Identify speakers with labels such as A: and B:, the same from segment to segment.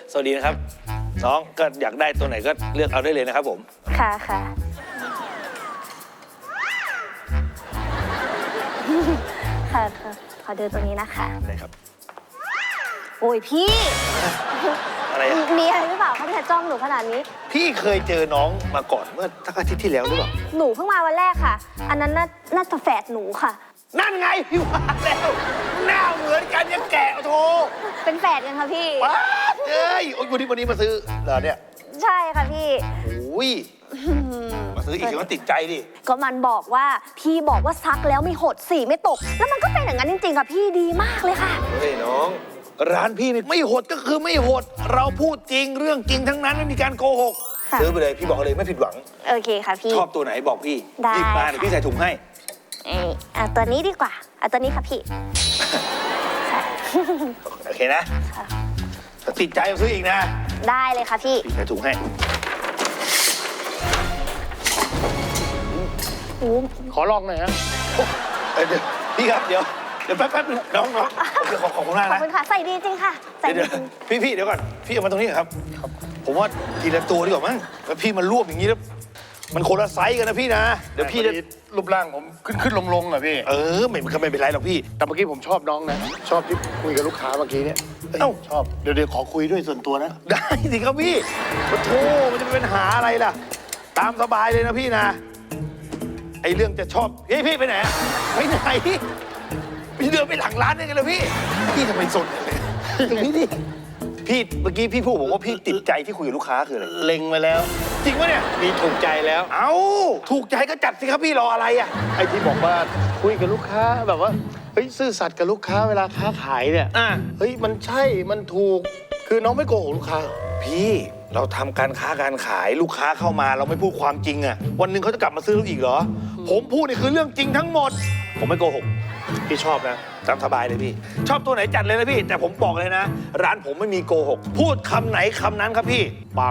A: สวัสดีนะครับน้องก็อยากได้ตัวไหนก็เลือกเอาได้เลยนะครับผม
B: ค่ะค่ะค่ะขอดูตัวนี้นะคะ
A: ได้ครับ
B: โอ้ยพี่
A: อะไรอะ
B: มีอะไรหรือเปล่าเขาถึงจ้องหนูขนาดนี้
A: พี่เคยเจอน้องมาก่อนเมื่อสักอาทิตย์ที่แล้วหรือเปล่า
B: หนูเพิ่งมาวันแรกค่ะอันนั้นน่าจะแฝดหนูค่ะ
A: นั่นไงพี่ว่าแล้วหน้าเหมือนกันยังแกะโท
B: เป็นแฝดกันค่ะพี่
A: ว้าเอ้ยวันนี้มาซื้อเหรอเนี่ย
B: ใช่ค่ะพี่
A: โอ้ยมาซื้ออีกเดี๋ยวมันติดใจดิ
B: ก็มันบอกว่าพี่บอกว่าซักแล้วไม่หดสีไม่ตกแล้วมันก็เป็นอย่างนั้นจริงๆค่ะพี่ดีมากเลยค่ะ
A: เฮ้ยน้องร้านพี่ไม่หดก็คือไม่หดเราพูดจริงเรื่องจริงทั้งนั้นไม่มีการโกหกซื้อไปเลยพี่บอกเลยไม่ผิดหวัง
B: โอเคค่ะพี่
A: ชอบตัวไหนบอกพี่
B: ได้
A: รีบมาเดี๋ยวพี่ใส่ถุงให้
B: ตัวนี้ดีกว่าตัวนี้ค่ะพี่
A: โอเคนะติดใจซื้ออีกนะ
B: ได้เลยค่ะพี่
A: ใส่ถุงให้
C: ขอลองหน่อยฮะ
A: เดี๋ยวพี่ครับเดี๋ยวแป๊บน้องเดี๋ยวขอบคุณมากนะ
B: ขอบคุณค่ะใส่ดีจริงค่ะใส่ดีจริง
A: พี่เดี๋ยวก่อนพี่เอามาตรงนี้ครับผมว่าทีละตัวดีกว่ามั้งแล้วพี่มันรวบอย่างนี้แล้วมันคนละไซส์กันนะพี่นะเดี๋ยวพี่จะ
C: รูปร่างผมขึ้นลงอ่ะพี่
A: ไม่เป็นไรหรอกพี่
C: แต่เมื่อกี้ผมชอบน้องนะชอบที่คุยกับลูกค้าเมื่อกี้เนี่ยชอบเดี๋ยวขอคุยด้วยส่วนตัวนะ
A: ได้สิครับพี่มาโทษมันจะเป็นปัญหาอะไรล่ะตามสบายเลยนะพี่นะไอเรื่องจะชอบพี่ไปไหนไปไหนพี่เดินไปหลังร้านได้ไงล่ะพี่ทำไมสนเลยตรงนี้ดิพี่เมื่อกี้พี่พูดผมว่าพี่ติดใจที่คุยกับลูกค้าคืออะไร
C: เล็งมาแล้ว
A: จริงปะเนี่ย
C: มีถูกใจแล้ว
A: เอ้าถูกใจก็จัดสิครับพี่รออะไรอ่ะ
C: ไอ้ที่บอกว่าคุยกับลูกค้าแบบว่าเฮ้ยซื่อสัตย์กับลูกค้าเวลาค้าขายเนี่ยเฮ้ยมันใช่มันถูกคือน้องไม่โกหกลูกค้า
A: พี่เราทำการค้าการขายลูกค้าเข้ามาเราไม่พูดความจริงอ่ะวันหนึ่งเขาจะกลับมาซื้อเราอีกเหรอผมพูดนี่คือเรื่องจริงทั้งหมดผมไม่โกหกพี่ชอบนะตามสบายเลยพี่ชอบตัวไหนจัดเลยนะพี่แต่ผมบอกเลยนะร้านผมไม่มีโกหกพูดคำไหนคำนั้นครับพี่
C: ปัง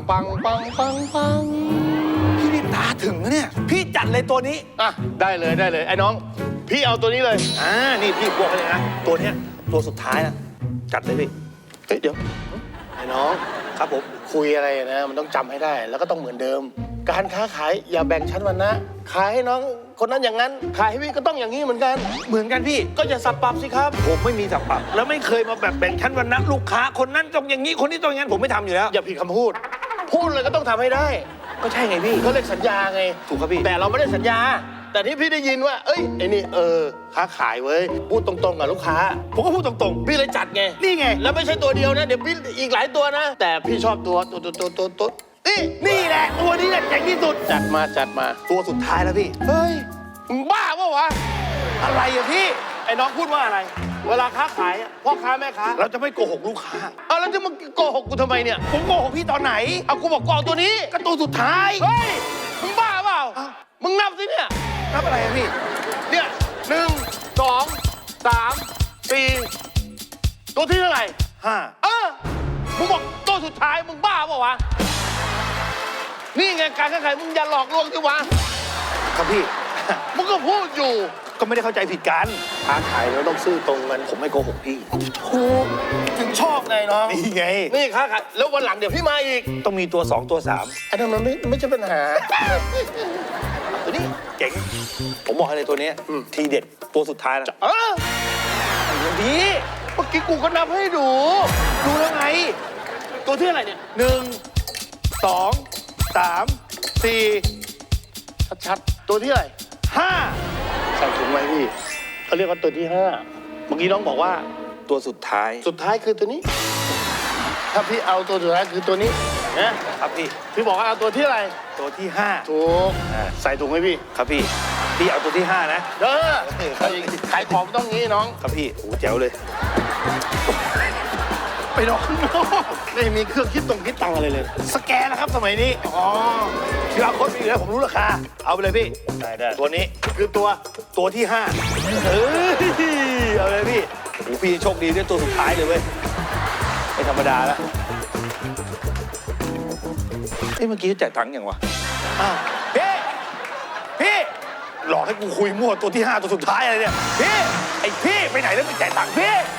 A: พี่นี่ตาถึงนะเนี่ยพี่จัดเลยตัวนี้
C: ได้เลยไอ้น้องพี่เอาตัวนี้เลย
A: นี่พี่บอกเลยนะตัวเนี้ยตัวสุดท้ายนะจัดเลยพี่
C: เดี๋ยวไอ้น้อง
A: ครับผม
C: คุยอะไรนะมันต้องจำให้ได้แล้วก็ต้องเหมือนเดิมการค้าขายอย่าแบ่งชั้นวรรณะขายให้น้องคนนั้นอย่างนั้นขายให้พี่ก็ต้องอย่างนี้เหมือนกัน
A: พี่
C: ก็อย่าสับปรับสิครับ
A: ผมไม่มีสับปรับแล้วไม่เคยมาแบบแบ่งชั้นวรรณะลูกค้าคนนั้นต้องอย่างนี้คนนี้ต้องอย่างนั้นผมไม่ทำอยู่แล้ว
C: อย่าผิดคำพูดเลยก็ต้องทำให้ได้
A: ก็ใช่ไงพี่
C: เขาเรียกสัญญาไง
A: ถูกครับพี่
C: แต่เราไม่ได้สัญญาแต่นี่พี่ได้ยินว่าเอ้ยไอ้นี่ค้าขายเว้ยพูดตรงๆกับลูกค้า
A: ผมก็พูดตรง
C: ๆพี่เลยจัดไง
A: นี่ไง
C: แล้วไม่ใช่ตัวเดียวนะเดี๋ยวพี่อีกหลายตัวนะแต่พี่ชอบตัว
A: นี่แหละตัวนี้แหละเจ๋งที่สุด
C: จัดมา
A: ตัวสุดท้ายแล้วพี่
C: เฮ้ยมึงบ้าปะวะ
A: อะไรอะพี่
C: ไอ้น้องพูดว่าอะไรเวลาค้าขายพ่อค้าแม่ค้า
A: เราจะไม่โกหกลูกค้า
C: แล้วจะมาโกหกกูทำไมเนี่ย
A: ผมโกหกพี่ตอนไหน
C: กูบอกกองตัวนี้
A: ก็ตัวสุดท้าย
C: เฮ้ยมึงบ้าเปล่ามึงนับสิเนี่ย
A: นับอะไรอะพี่
C: เนี่ย1 2 3 4ตัวที่เท่าไหร่
A: 5
C: มึงบอกตัวสุดท้ายมึงบ้าเปล่าวะนี่ไงการค้าขายมึงอย่าหลอกลวงสิวะ
A: ครับพี่
C: มึงก็พูดอยู่
A: ก็ไม่ได้เข้าใจผิดกัน
C: ค้าขายเราต้องซื่อตรงกัน
A: ผมไม่โกหกพี่
C: ถูกถึงชอบไงน้อง
A: นี่ไง
C: นี่ค้าขายแล้ววันหลังเดี๋ยวพี่มาอีก
A: ต้องมีตัว2ตัว3
C: อันนั้นมันไม่ใช่ปัญหา
A: ตัวนี้เจ๋งผมบอกเลยตัวนี้ทีเด็ดตัวสุดท้ายแล้ว
C: ดีเมื่อกี้กูก็นับให้ดู
A: แล้วไง
C: ตัวที่อะไรเนี่ย
A: 1 2 3 4
C: ชัดๆตัวที่อะไร
A: 5
C: ใส่ถุงไว้พี่เขาเรียกว่าตัวที่5เมื่อกี้น้องบอกว่า
A: ตัวสุดท้าย
C: คือตัวนี้ถ้าพี่เอาตัวสุดท้ายคือตัวนี้
A: นะครับ
C: พี่บอกว่าเอาตัวที่อะไร
A: ตัวที่5
C: ถูกใส่ถุงไว้พี่
A: ครับพี่เอาตัวที่5นะ
C: ขายของต้องงี้น้อง
A: ครับพี่โอ้แจ๋วเลย
C: ไปน้องไม่มีเครื่องคิดตังอะไรเลย
A: สแกนนะครับสมัยนี้QR Codeมีอยู่แล้วผมรู้ราคาเอาไปเลยพี่
C: ได้
A: ตัวนี้
C: คือ
A: ตัวที่5เอาเลยพี่โอ้พี่โชคดีได้ตัวสุดท้ายเลยเว้ยไม่ธรรมดาแล้วเมื่อกี้จ่ายตังค์ยังวะพี่หลอกให้กูคุยมั่วตัวที่5ตัวสุดท้ายอะไรเนี่ยพี่ไปไหนแล้วไม่จ่ายตังค์พี่